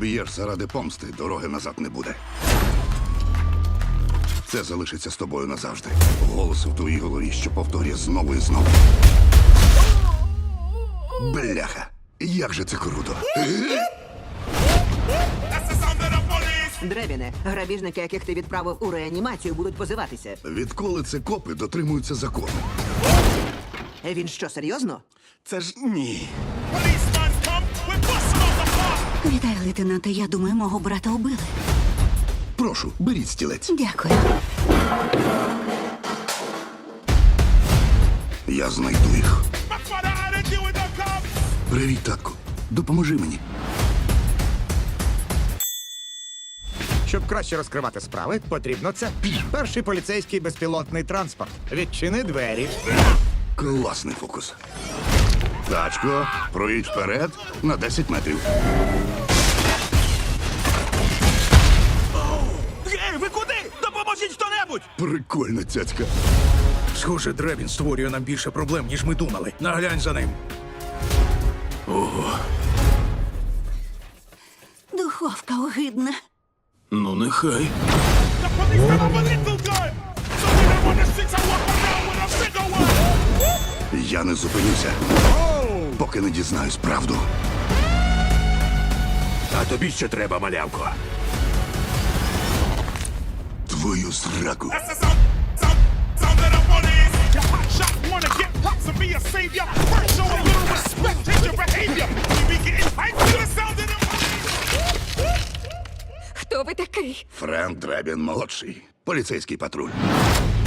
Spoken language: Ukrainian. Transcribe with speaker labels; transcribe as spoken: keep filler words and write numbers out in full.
Speaker 1: Поб'єшся ради помсти, дороги назад не буде. Це залишиться з тобою назавжди. Голос в твоїй голові, що повторює знову і знову. Бляха, як же це круто.
Speaker 2: Дребіне, грабіжники, яких ти відправив у реанімацію, будуть позиватися.
Speaker 1: Відколи це копи дотримуються закону?
Speaker 2: Е, Він що, серйозно?
Speaker 1: Це ж ні.
Speaker 3: Вітаю, лейтенанте. Я думаю, мого брата убили.
Speaker 1: Прошу, беріть стілець.
Speaker 3: Дякую.
Speaker 1: Я знайду їх. Привіт, татку. Допоможи мені.
Speaker 4: Щоб краще розкривати справи, потрібно це. Перший поліцейський безпілотний транспорт. Відчини двері.
Speaker 1: Класний фокус. Тачко, проїдь вперед на десять метрів.
Speaker 5: Гей, ви куди? Допоможіть хто-небудь!
Speaker 1: Прикольна цяцька.
Speaker 5: Схоже, Дребін створює нам більше проблем, ніж ми думали. Наглянь за ним.
Speaker 3: Духовка огидна.
Speaker 5: Ну, нехай.
Speaker 1: Я не зупинюся, поки не дізнаюсь правду.
Speaker 5: А тобі ще треба, малявко.
Speaker 1: Твою зраку.
Speaker 3: Хто ви такий?
Speaker 1: Френк Дребін молодший. Поліцейський патруль.